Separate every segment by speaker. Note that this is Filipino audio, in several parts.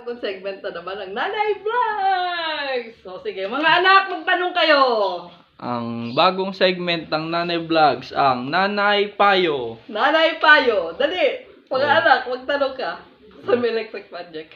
Speaker 1: bagong segment na naman ang Nanay Vlogs! So sige, mga anak, magtanong kayo!
Speaker 2: Ang bagong segment ng Nanay Vlogs, ang Nanay Payo.
Speaker 1: Nanay Payo, dali! Mga anak, magtanong ka sa may electric project.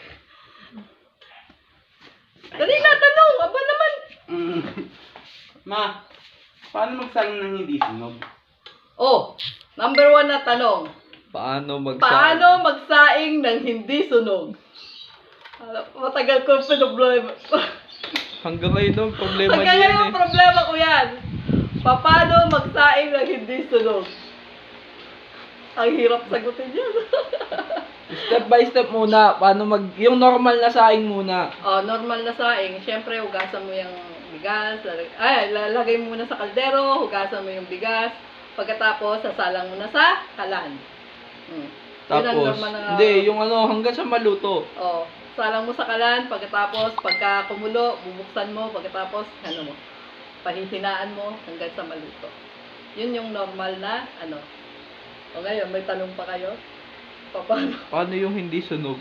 Speaker 1: Dali na, tanong! Aba naman!
Speaker 3: Ma, paano magsaing ng hindi sunog?
Speaker 1: Oh, number 1 na tanong.
Speaker 2: Paano
Speaker 1: Paano magsaing ng hindi sunog? Matagal ko problema.
Speaker 2: Hanggang ngayon ang problema
Speaker 1: Hanggang
Speaker 2: niyan
Speaker 1: ngayon ang problema ko yan. Paano magsaing ng hindi sunog? Ang hirap sagutin yan.
Speaker 2: Step by step muna. Yung normal na saing muna.
Speaker 1: Oh, normal na saing. Siyempre, hugasan mo yung bigas. Lalagay mo muna sa kaldero. Hugasan mo yung bigas. Pagkatapos, sasalang mo na sa kalan.
Speaker 2: Tapos, hindi, yung hanggang sa maluto.
Speaker 1: Oh, salang mo sa kalan. Pagkatapos, pagka kumulo, bubuksan mo. Pagkatapos, mo, pahihinaan mo hanggang sa maluto. Yun yung normal na, O ngayon, may tanong pa kayo?
Speaker 2: Paano yung hindi sunog?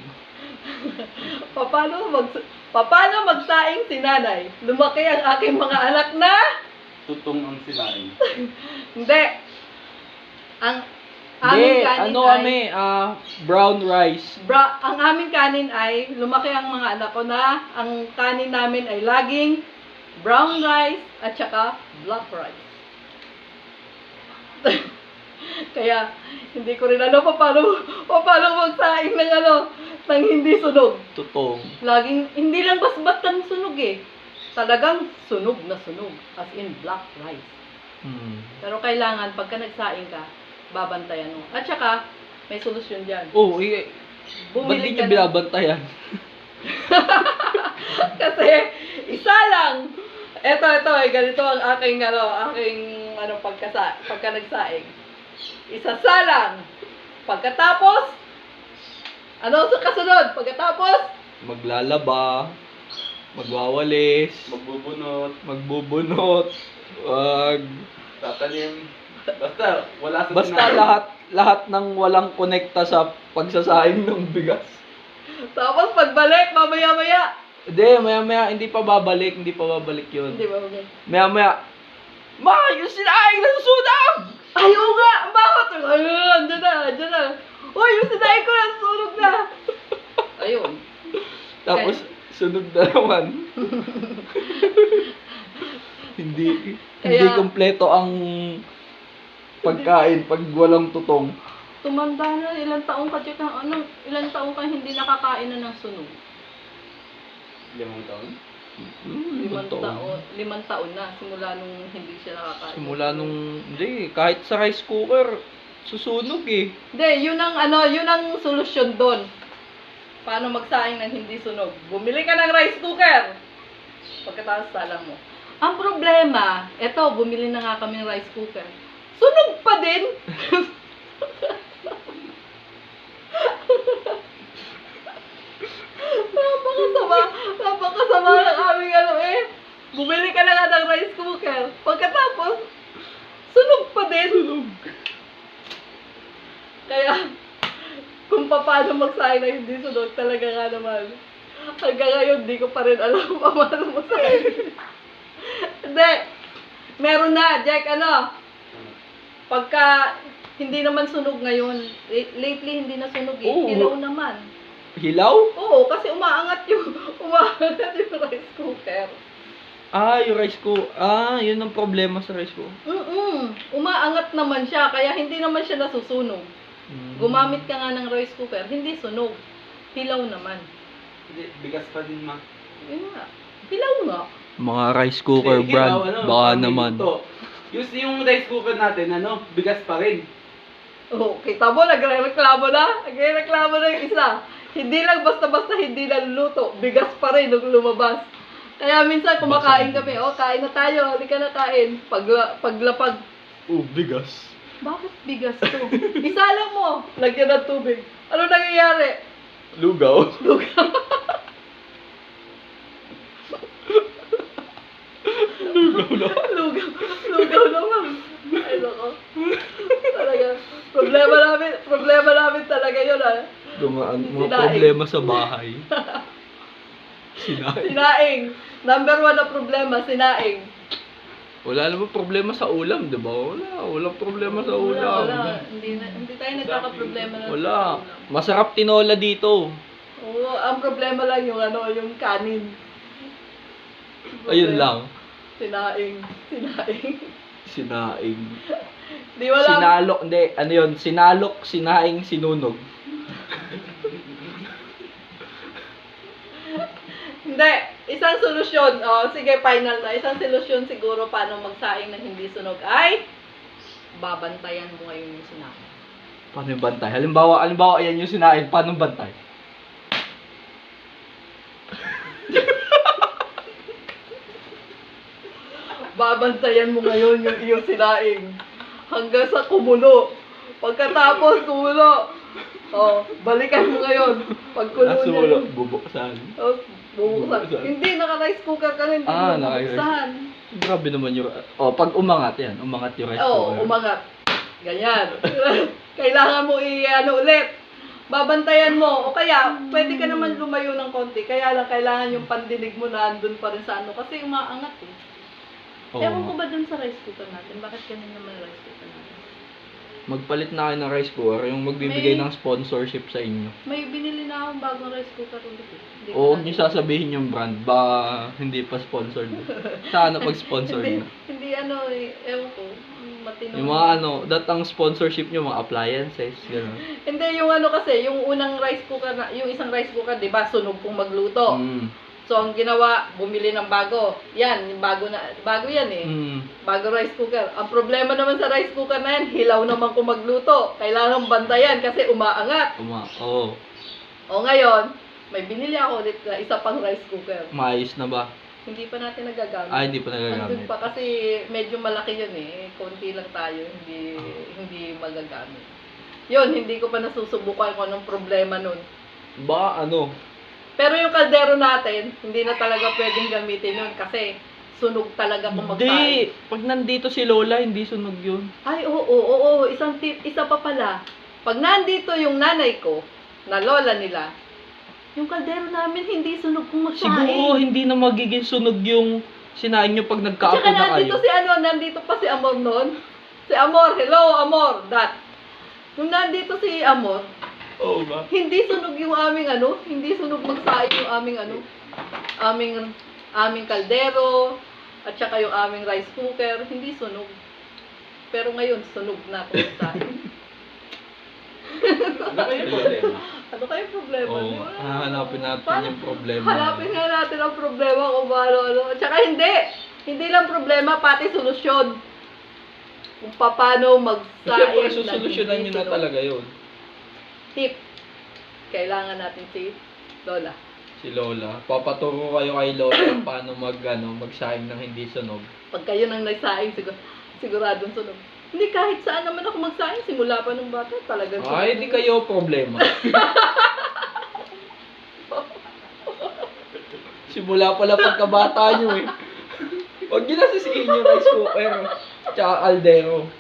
Speaker 1: Paano magsaing si nanay? Lumaki ang aking mga anak na?
Speaker 3: Tutong ang silain.
Speaker 1: Hindi. Ang aming kanin
Speaker 2: brown rice.
Speaker 1: ang aming kanin ay, lumaki ang mga anak ko na, ang kanin namin ay laging brown rice at saka black rice. Kaya, hindi ko rin paano magsaing ng ng hindi sunog.
Speaker 2: Tutong.
Speaker 1: Laging, hindi lang basta-basta sunog eh. Talagang sunog na sunog. As in, black rice. Pero kailangan, pagka nagsaing ka, babantayan mo. At saka, may solusyon dyan.
Speaker 2: Oh, ba't di niyo binabantayan?
Speaker 1: Kasi, isa lang. Ito, ganito ang aking pagka nagsaing. Isasalang. Pagkatapos, sa kasunod? Pagkatapos,
Speaker 2: Maglalaba, magwawalis, magbubunot,
Speaker 3: Tatanim. Basta, wala sa
Speaker 2: basta lahat ng walang konekta sa pagsasaing ng bigas.
Speaker 1: tapos pagbalik, mamaya-maya.
Speaker 2: Hindi, maya-maya, hindi pa babalik yun.
Speaker 1: Hindi ba, okay?
Speaker 2: Maya-maya, Ma, yung sinaing ng sunog!
Speaker 1: Ayaw nga! Bakit? Ayun, dyan na. Uy, yung sinaing ko na, sunog na. Ayun.
Speaker 2: Tapos, sunog na naman. hindi kompleto ang pagkain pag walang tutong.
Speaker 1: Tumanda na, ilang taong ka hindi nakakain na ng sunog.
Speaker 3: 5 taon?
Speaker 1: 5 taon na, simula nung hindi siya nakakain.
Speaker 2: Hindi, kahit sa rice cooker, susunog eh.
Speaker 1: Hindi, yun ang solusyon doon. Paano magsaing ng hindi sunog? Bumili ka ng rice cooker. Pagkatapos salang mo. Ang problema, bumili na nga kami ng rice cooker. Sunog pa din. Napakasama ng aming Bumili ka na nga ng rice cooker. Pagkatapos, sunog pa din. Kaya, kung paano magsaing na hindi sunog, talaga nga naman. Hanggang ngayon, di ko pa rin alam paano magsaing. Hindi. Meron na, Jack, pagka hindi naman sunog ngayon, lately hindi na sunog eh.
Speaker 2: Oo.
Speaker 1: Hilaw naman.
Speaker 2: Hilaw?
Speaker 1: Oo, kasi umaangat yung rice cooker.
Speaker 2: Yung rice cooker. Yun ang problema sa rice cooker.
Speaker 1: Umaangat naman siya, kaya hindi naman siya nasusunog. Gumamit ka nga ng rice cooker, hindi sunog. Hilaw naman.
Speaker 3: Hindi, bigas pa din, Ma.
Speaker 1: Yun nga. Hilaw nga.
Speaker 2: Mga rice cooker
Speaker 3: Hindi,
Speaker 2: brand, baka naman.
Speaker 3: Yung rice cooker natin, bigas pa rin.
Speaker 1: Oh, kita mo, nagreklamo na yung isa. Hindi lang basta-basta hindi naluluto. Bigas pa rin nung lumabas. Kaya minsan kumakain kami. Kain na tayo. Halika na kain. Paglapag.
Speaker 2: Bigas.
Speaker 1: Bakit bigas to? Isalang mo. Lagyan ng tubig. Ano nangyayari?
Speaker 2: Lugaw.
Speaker 1: Lugaw naman. Ay, loko. Talaga. Problema namin talaga yun,
Speaker 2: Mga problema sa bahay. Sinaing.
Speaker 1: Sinaing. Number 1 na problema, sinaing.
Speaker 2: Wala naman problema sa ulam, di ba? Walang problema sa ulam.
Speaker 1: Wala. Hindi tayo nagkakaproblema na
Speaker 2: Wala.
Speaker 1: sa ulam.
Speaker 2: Masarap tinola dito.
Speaker 1: Oo, ang problema lang yung yung kanin.
Speaker 2: Ayun lang.
Speaker 1: Sinaing.
Speaker 2: Sinaing.
Speaker 1: Di wala.
Speaker 2: Sinalok, hindi. Ano yun? Sinalok, sinaing, sinunog.
Speaker 1: Hindi. Isang solusyon. Sige, final na. Isang solusyon siguro paano magsaing ng hindi sunog ay babantayan mo ngayon yung sinaing.
Speaker 2: Paano yung bantay? Halimbawa, ayan yung sinaing. Paano bantay?
Speaker 1: Babantayan mo ngayon yung iyong sinaing hanggang sa kumulo. Pagkatapos kumulo, balikan mo ngayon. Pag kulo niya
Speaker 2: Nasulo,
Speaker 1: yung...
Speaker 2: bubuksan.
Speaker 1: Bubuksan. Hindi, naka-rice cooker ka rin. Hindi mo
Speaker 2: naka-rice.
Speaker 1: bubuksan.
Speaker 2: Grabe naman yung... pag umangat yan. Umangat yung rice cooker.
Speaker 1: Umangat. Ganyan. Kailangan mo ulit. Babantayan mo. O kaya, pwede ka naman lumayo ng konti. Kaya lang, kailangan yung pandinig mo na andun pa rin sa kasi umaangat eh.
Speaker 2: Oo.
Speaker 1: Ewan ko ba dun sa rice cooker natin? Bakit ganun naman rice cooker natin?
Speaker 2: Magpalit na kayo ng rice cooker, yung magbibigay
Speaker 1: May-
Speaker 2: ng sponsorship sa inyo.
Speaker 1: May binili na akong bagong rice cooker ulit eh. Hindi ko
Speaker 2: O huwag
Speaker 1: na-
Speaker 2: niyo sasabihin yung brand, ba hindi pa sponsored. Sana pag-sponsor
Speaker 1: hindi,
Speaker 2: na.
Speaker 1: hindi ewan ko, matino.
Speaker 2: Yung mga datang sponsorship niyo, mga appliances, gano'n.
Speaker 1: Hindi, yung kasi, yung unang rice cooker, yung isang rice cooker, di ba, sunog kung magluto. So, ang ginawa, bumili ng bago. Yan, yung bago yan eh. Bago rice cooker. Ang problema naman sa rice cooker na yan, hilaw naman kung magluto. Kailangan bantayan kasi umaangat.
Speaker 2: Oo.
Speaker 1: O ngayon, may binili ako ulit na isa pang rice cooker.
Speaker 2: Maayos na ba?
Speaker 1: Hindi pa natin nagagamit.
Speaker 2: Hindi pa
Speaker 1: Andun
Speaker 2: nagagamit.
Speaker 1: pa kasi medyo malaki yun eh. Konti lang tayo, hindi magagamit. Yun, hindi ko pa nasusubukan kung anong problema nun. Pero yung kaldero natin, hindi na talaga pwedeng gamitin yun kasi sunog talaga kung magsaing.
Speaker 2: Hindi! Pag nandito si Lola, hindi sunog yun.
Speaker 1: Ay, oo. Isang tip, isa pa pala. Pag nandito yung nanay ko, na lola nila, yung kaldero namin hindi sunog kung magsaing.
Speaker 2: Siguro hindi na magiging sunog yung sinain nyo pag
Speaker 1: At
Speaker 2: nagkaapo
Speaker 1: saka
Speaker 2: na
Speaker 1: nandito
Speaker 2: kayo.
Speaker 1: nandito pa si Amor noon. Si Amor, hello Amor, that. Nung nandito si Amor,
Speaker 2: Oo ba?
Speaker 1: hindi sunog yung hindi sunog magsaing yung aming kaldero, at saka yung aming rice cooker, hindi sunog. Pero ngayon, sunog na kung magsaing.
Speaker 3: Ano ba yung problema?
Speaker 1: Ano kayong problema?
Speaker 2: Oo,
Speaker 1: Di ba?
Speaker 2: hahanapin natin
Speaker 1: Paano-
Speaker 2: yung problema.
Speaker 1: Hanapin nga natin ang problema kung paano. At saka hindi lang problema, pati solusyon. Kung paano magsaing.
Speaker 2: Siyempre, susolusyonan nyo na talaga yun.
Speaker 1: Tip. Kailangan natin si Lola.
Speaker 2: Si Lola. Papaturo kayo kay Lola kung paano magsaing ng hindi sunog.
Speaker 1: Pag kayo nang nagsaing, siguradong sunog. Hindi, kahit saan naman ako magsaing, simula pa nung bata, talagang sunog.
Speaker 2: Ay, di kayo problema. Simula pala pagkabata nyo eh. Huwag nyo na sisihin yung rice cooker. Tsaka kaldero.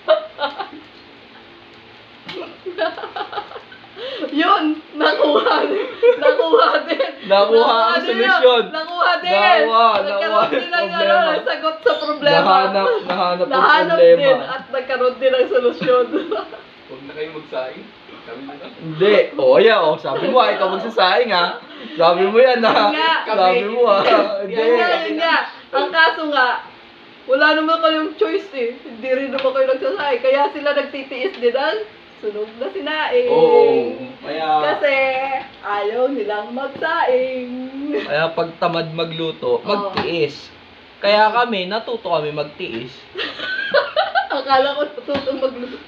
Speaker 1: Yun! Nakuha din!
Speaker 2: Nakuha ang solusyon.
Speaker 1: Nakuha din!
Speaker 2: Nakuha
Speaker 1: Nagkaroon din ng
Speaker 2: problema.
Speaker 1: sagot sa problema.
Speaker 2: Nahanap ang
Speaker 1: Nahanap
Speaker 2: problema.
Speaker 1: din at nagkaroon din ng solusyon.
Speaker 3: Huwag na kayo magsaing. Sabi nila.
Speaker 2: Hindi. Sabi mo ikaw magsasaing Sabi mo yan
Speaker 1: Yun nga.
Speaker 2: Sabi mo Hindi.
Speaker 1: Yun nga. Ang kaso nga, wala naman kayong choice eh. Hindi rin naman kayo nagsasaing. Kaya sila nagtitiis din ang sunog na sinaing.
Speaker 2: Oo. Kaya
Speaker 1: Kasi ayaw nilang magsaing.
Speaker 2: Kaya pag tamad magluto, magtiis. Kaya natuto kami magtiis.
Speaker 1: Akala ko natutong magluto.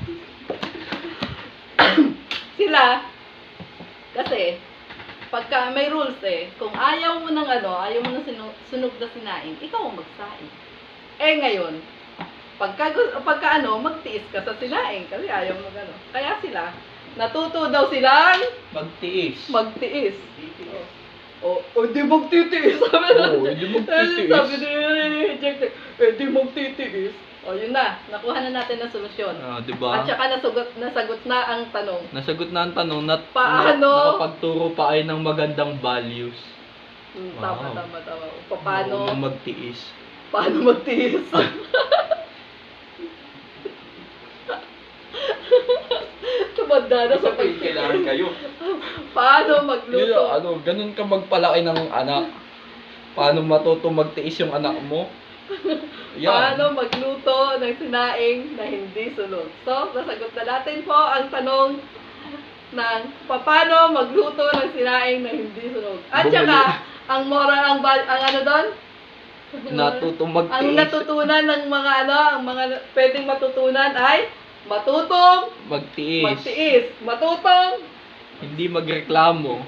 Speaker 1: Sila, kasi, pagka may rules kung ayaw mo ng sunog na sinain, ikaw ang magsaing. Ngayon, pagka magtiis ka sa sinaing, kasi ayaw mo Kaya sila, natuto daw silang
Speaker 2: Magtiis.
Speaker 1: magtiis. Di magtitiis. Sabi
Speaker 2: Hindi magtitiis.
Speaker 1: Sabi ni rejected, di magtitiis. Yun na, nakuha na natin ang solusyon.
Speaker 2: Diba?
Speaker 1: At saka nasagot na ang tanong.
Speaker 2: Nasagot na ang tanong
Speaker 1: Paano?
Speaker 2: nakapagturo pa kayo ng magandang values.
Speaker 1: Tama,
Speaker 2: Wow.
Speaker 1: tama, tama. Paano
Speaker 2: Marunong magtiis.
Speaker 1: paano magtiis? Tumanda na sa
Speaker 3: Sabi, kailangan kayo.
Speaker 1: Paano
Speaker 2: Yun,
Speaker 1: magluto?
Speaker 2: ganun ka magpalaki ng anak. Paano matuto magtiis yung anak mo?
Speaker 1: Paano magluto ng sinaing na hindi sunog? So, nasagot na natin po ang tanong ng paano magluto ng sinaing na hindi sunog. At
Speaker 2: Bumili.
Speaker 1: saka, ang moral, ang ano doon?
Speaker 2: Natuto magtiis.
Speaker 1: Ang natutunan ng mga ang mga pwedeng matutunan ay matutong
Speaker 2: Magtiis.
Speaker 1: magtiis, matutong
Speaker 2: Hindi magreklamo.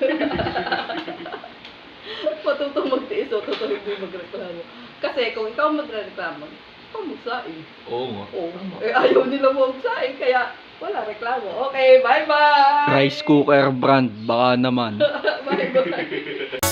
Speaker 1: matutong magtiis, matutong hindi magreklamo. Kasi kung ikaw magreklamo, ikaw magsaing.
Speaker 2: Oo nga.
Speaker 1: Oh, eh ayaw nila magsaing, kaya wala reklamo. Okay, bye-bye!
Speaker 2: Rice cooker brand, baka naman.
Speaker 1: Bye-bye!